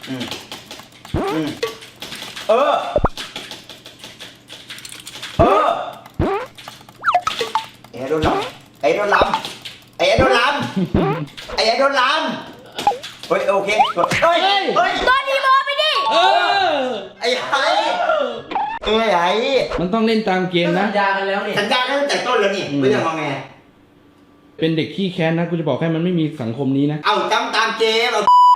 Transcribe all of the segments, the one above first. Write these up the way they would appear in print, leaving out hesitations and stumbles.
เออไอ้โดนลำไอ้โดนลำไอ้โดนลำไอ้โดนลำเฮ้ยโอเคเฮ้ยโดนดีโมไปดิไอ้มันต้องเล่นตามเกมนะสัญญากันแล้วนี่สัญญาตั้งแต่ต้นแล้วนี่ไม่ต้องงอแงเป็นเด็กขี้แค้นนะกูจะบอกให้มันไม่มีสังคมนี้นะเอาจำตามเกม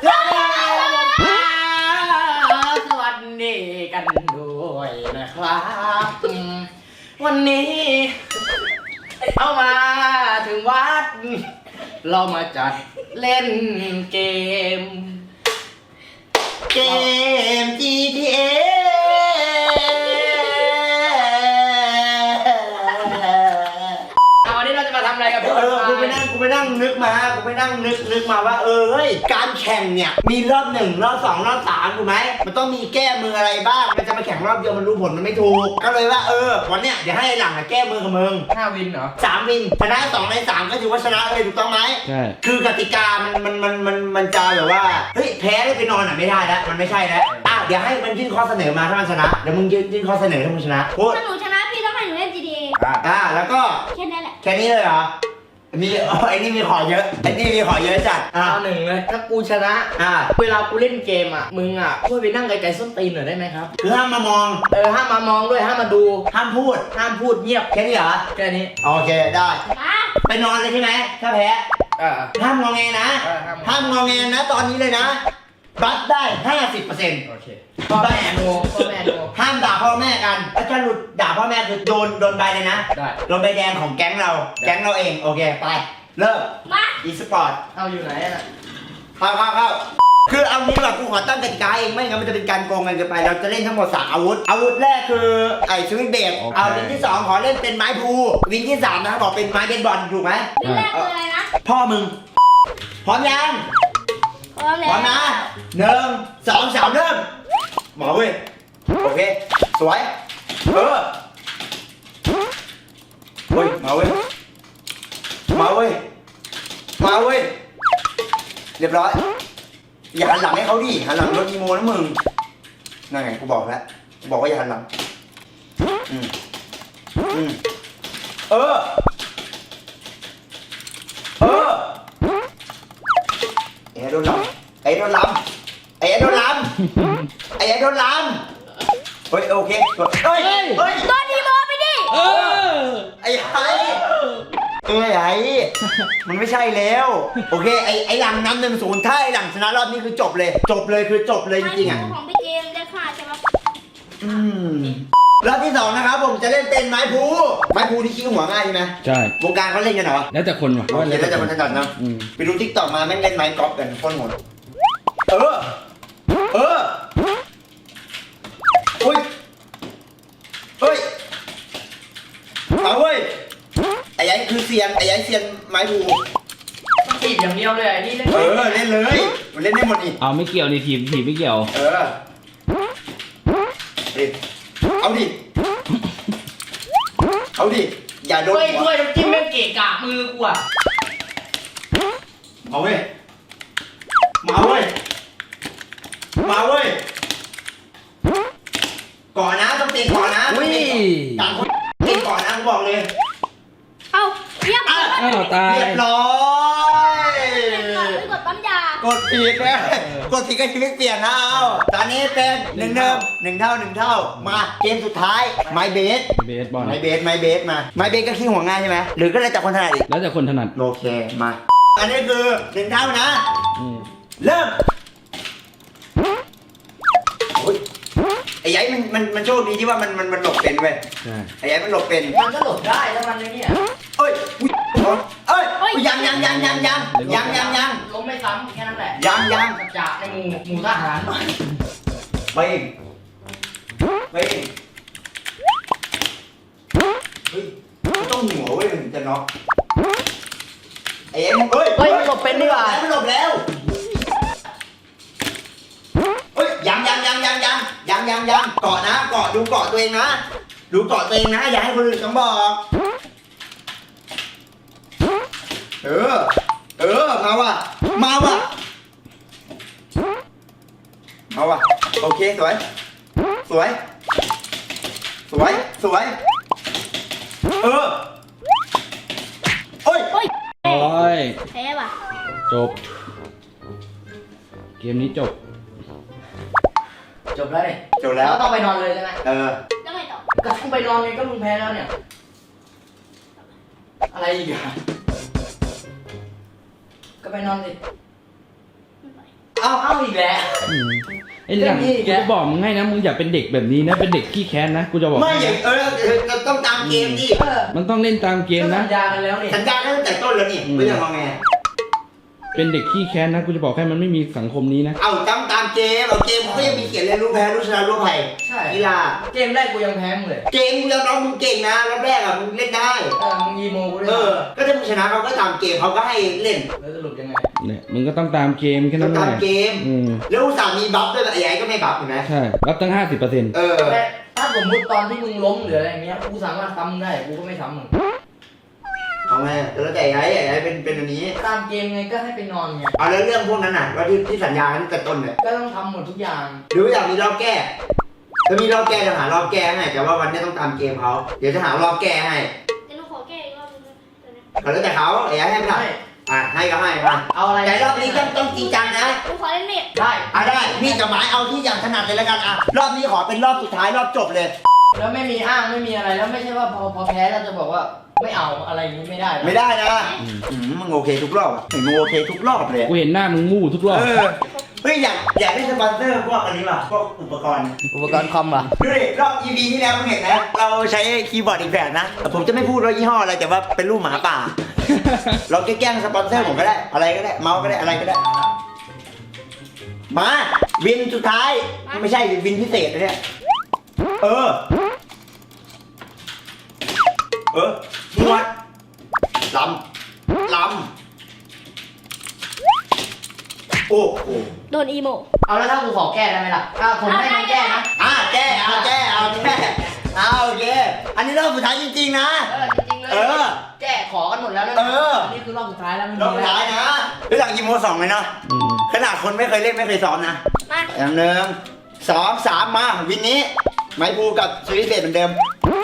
สวัสดีกันด้วยนะครับวันนี้เอามาถึงวัดเรามาจัดเล่นเกม GTA วันนี้เราจะมาทำอะไรกับพี่กูไปนั่งนึกมาว่าเฮ้ยการแข่งเนี่ยมีรอบ1รอบ2รอบ3ถูกไหมมันต้องมีแก้มืออะไรบ้างมันจะมาแข่งรอบเดียวมันรู้ผลมันไม่ถูกก็เลยว่าวันเนี้ยเดี๋ยวให้หลังแก้มือกับมึง 5 วินเหรอ 3 วินชนะ2 ใน 3ก็ถือว่าชนะเลยถูกต้องไหมใช่คือกติกามันจะแบบว่าเฮ้ยแพ้ได้ไปนอนไม่ได้แล้วมันไม่ใช่แล้วเดี๋ยวให้มันยื่นข้อเสนอมาถ้ามันชนะเดี๋ยวมึงยื่นข้อเสนอถ้ามึงชนะพูดถ้าหนูชนะพี่ต้องให้หนูเล่น GTA แล้วก็แค่นี้แหละแค่นี้เลยเหรอมีไอ้นี่มีขอเยอะจัดเอาหนึ่งเลยถ้ากูชนะเวลากูเล่นเกมมึงช่วยไปนั่งไกลๆส้นตีนหน่อยได้ไหมครับคือห้ามมามองห้ามมามองด้วยห้ามมาดูห้ามพูดเงียบแค่นี้เหรอแค่นี้โอเคได้ไปนอนเลยใช่ไหมถ้าแพ้ห้ามงอแงนะห้ามงอแงนะตอนนี้เลยนะบัตรได้ 50% โอเคพ่อแม่โนห้ามด่าพ่อแม่กันถ้าหลุดด่าพ่อแม่คือโดนใบเลยนะได้โดนใบแดงของแก๊งเราเองโอเคไปเริ่มอีสปอร์ตเอาอยู่ไหนเข้าคือเอานี้แบบกูขอตั้งกติกาเองไม่งั้นมันจะเป็นการโกงกันเกินไปเราจะเล่นทั้งหมด3อาวุธแรกคือไอ้สวิงเบรกเอาวินที่2ขอเล่นเป็นไม้พูวินที่3นะครับบอกเป็นไม้เบสบอลถูกไหมวินแรกคืออะไรนะพ่อมึงพร้อมยังพร้อมนะ1 2 3เริ่มหมอเว้ยโอเคสวยเฮ้ยมาเว้ยเรียบร้อยอย่าหันหลังให้เขาดิหันหลังรถอีโมนะมึงนั่นไงกูบอกแล้วว่าอย่าหันหลังไอ้โดนลำเฮ้ยโอเคเฮ้ยโดนดีโมไปดิไอ้มันไม่ใช่แล้วโอเคไอ้หลังนำ1-0ถ้าไอ้หลังชนะรอบนี้คือจบเลยจริงๆของพี่เกมได้ค่ะใช่ไหมรอบที่2นะครับผมจะเล่นเป็นไม้พูที่ขี้หัวง่ายใช่ไหมใช่วงการเขาเล่นกันเหรอแล้วแต่คนว่ะแล้วแต่คนถนัดนะไปดูทิกตอกมาแม่งเล่นไม้กอล์ฟกันโคตรโหดเฮ้ยเอาเว้ยไอ้ยัยคือเซียนไม้พูต้องถีบอย่างเดียวเลยนี่เล่นเล่นเลยมันเล่นได้หมดอีกเอาไม่เกี่ยวนี่ถีบไม่เกี่ยวเอาดิอย่าโดนช่วยน้ำจิ้มแม่งเกะกะมือกูมาเว้ยก่อนนะต้องตีก่อนนะต่างคนตีก่อนนะกูบอกเลยเอาเรียบร้อยไม่กดปั๊มยากดผิดนะกดผิดก็ชีวิตเปลี่ยนนะเอาตอนนี้เป็น1 เท่ามาเกมสุดท้ายไม้เบสบอลไม้เบสมาไม้เบสก็ขี้หัวง่ายใช่ไหมหรือก็แล้วแต่คนถนัดอีกแล้วแต่คนถนัดโอเคมาอันนี้คือ1 เท่านะเริ่มไอ้ยัยมันโชคดีที่ว่ามันหลบเป็นเว้ยไอ้ยัยมันหลบเป็นมันก็หลบได้ถ้ามันเนี่ยยังล้มไม่ซ้ำแค่นั้นแหละยังจากในหมู่ทหารไปเฮ้ยต้องหัวเว้ยมันจะน็อกไอ้ยัยมันหลบเป็นดีกว่ามันหลบแล้วยังเกาะนะเกาะดูเกาะตัวเองนะอย่าให้คนอื่นต้องบอกมาว่ะเอาว่ะโอเคสวยสวยสวยสวยเออโอ้ยโอ้ยโอ้ยแพ้ว่ะจบ เกมนี้จบจบแล้วนี่จบแล้วต้องไปนอนเลยใช่ไหมเออแล้วไงต่อก็ต้องไปนอนไงก็มึงแพ้แล้วเนี่ย อะไรอีกอะก็ไปนอนสิไม่ไปเอาอีกแล้วไอ้หลังเรื่องนี้อีกกูแล้วจะบอกมึงให้นะมึงอย่าเป็นเด็กแบบนี้นะเป็นเด็กขี้แค้นนะกูจะบอกไม่ให้อย่างเราต้องตามเกมดิมันต้องเล่นตามเกมก็นะสัญญากันแล้วนี่สัญญาตั้งแต่ต้นแล้วนี่ไม่ต้องงอแงเป็นเด็กขี้แค้นนะกูจะบอกให้มันไม่มีสังคมนี้นะเอาตามเกมเอาเกมเขาก็ยังมีเขียนเลยรู้แพ้รู้ชนะรู้อภัยใช่กีฬาเกมแรกกูยังแพ้มึงเลยเกมมึงยอมรับมึงเก่งนะรอบแรกอ่ะมึงเล่นได้มึงยีโมกูด้วยก็ถ้ามึงชนะเขาก็ตามเกมเขาก็ให้เล่นแล้วสรุปยังไงเนี่ยมึงก็ต้องตามเกมแค่ต้นั้อน งแหตามละเกมอืมแล้วอุตส่าห์มีบัฟด้วยไอ้ไอ้ก็ไม่บัฟเห็นไหมใช่รับตั้ง 50% เออแต่ถ้าสมมติตอนที่มึงล้มหรืออะไรอย่างเงี้ยกูสามารถซ้ำได้กูก็ไม่ซ้ำมึงเอาไงแล้วแต่ไอ้เป็นอันนี้ตามเกมไงก็ให้ไปนอนไงเอาแล้วเรื่องพวกนั้นน่ะว่าที่สัญญากันตั้งแต่ต้นเลยก็ต้องทำหมดทุกอย่างหรือว่าอยากมีรอบแก้ถ้ามีรอบแก้จะหารอบแก้ให้แต่ว่าวันนี้ต้องตามเกมเขาเดี๋ยวจะหารอบแก้ให้เดี๋ยวหนูขอแก้อีกรอบนึงนะเดี๋ยวนะก็แล้วแต่เขาไอ้ไอ้ให้ไม่ได้ให้ก็ให้มาเอาอะไรแต่รอบนี้ต้องจริงจังนะหนูขอเล่นมีดได้ได้มีดกับไม้เอาที่อย่างถนัดเลยแล้วกันรอบนี้ขอเป็นรอบสุดท้ายรอบจบเลยแล้วไม่มีอ้างไม่มีอะไรแล้วไม่ใช่ว่าพอแพ้เราจะบอกว่าไม่เอาอะไรอย่างนี้ไม่ได้นะไม่ได้นะมึงโอเคทุกรอบอ่ะมึงโอเคทุกรอบเลยกูเห็นหน้ามึงมู่ทุกรอบเฮ้ยอยากได้สปอนเซอร์พวกอันนี้ป่ะพวกอุปกรณ์อุปกรณ์คอมอ่ะดูดิรอบ EP ที่แล้วมึงเห็นนะเราใช้คีย์บอร์ดอีกแบบนะผมจะไม่พูดว่ายี่ห้ออะไรแต่ว่าเป็นรูปหมาป่า เราแกล้งสปอนเซอร์ผมก็ได้อะไรก็ได้เมาส์ก็ได้อะไรก็ได้มาวินสุดท้ายไม่ใช่วินพิเศษนะเนี่ยนวดลำโอ้โหโดนอีโมเอาแล้วถ้ากูขอแก้ได้ไหมล่ะผมให้มันแก้นะแก้เอาโอเคอันนี้รอบสุดท้ายจริงๆนะจริงๆเลยแก้ขอกันหมดแล้วนะนี่คือรอบสุดท้ายแล้วรอบสุดท้ายนะรู้จักยีโม2ไหมเนาะอืมขนาดคนไม่เคยเล่นไม่เคยซ้อมนะมาอย่าง1 2 3มาวินนี้ไม้ภูกับสวิตเบสเหมือนเดิม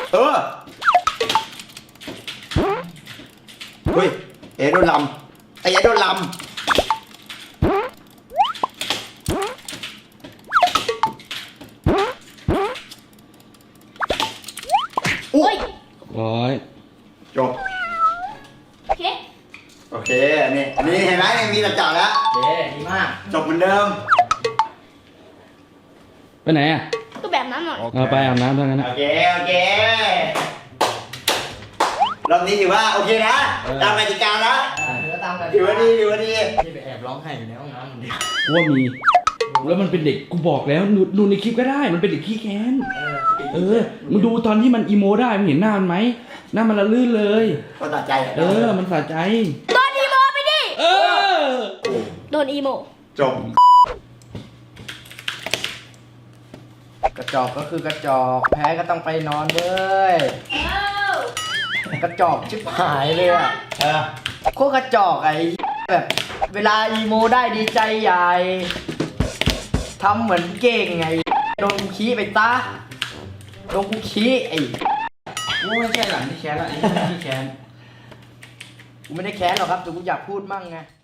เฮ้ยโดนลำไอ้โดนลำโอ้ยร้อยจบโอเคโอเคอันนี้เห็นไหมมีตัดจ่าแล้วเย้ดีมากจบเหมือนเดิมไปไหนอ่ะก็แบบนั้นหน่อยเอาไปอาบน้ำเท่านั้นนะโอเครอบนี้ถือว่าโอเคนะตามกติกานะแล้วตามกันถือว่าดีที่ไปแอบร้องไห้อยู่ในห้องน้ำคนเดียวกูว่ามีแล้วมันเป็นเด็กกูบอกแล้วดูในคลิปก็ได้มันเป็นเด็กขี้แค้นมึงดูตอนที่มันอีโมได้มึงเห็นหน้ามันไหมหน้ามันละลื่นเลยก็ตัดใจมันสะใจโดนอีโมไปดิ โดนอีโมจบกระจอกก็คือกระจอกแพ้ก็ต้องไปนอนเว้ยกระจอกชิบหายเลยอ่ะโคตรกระจอกไอ้แบบเวลาอีโมได้ดีใจใหญ่ทำเหมือนเก่งไงโดนกูขี้ไปตาโดนกูขี้ไอ้กูไม่ใช่หลังที่แค้นละไอ้ที่แค้นกูไม่ได้แค้นหรอกครับแต่กูอยากพูดมั่งไง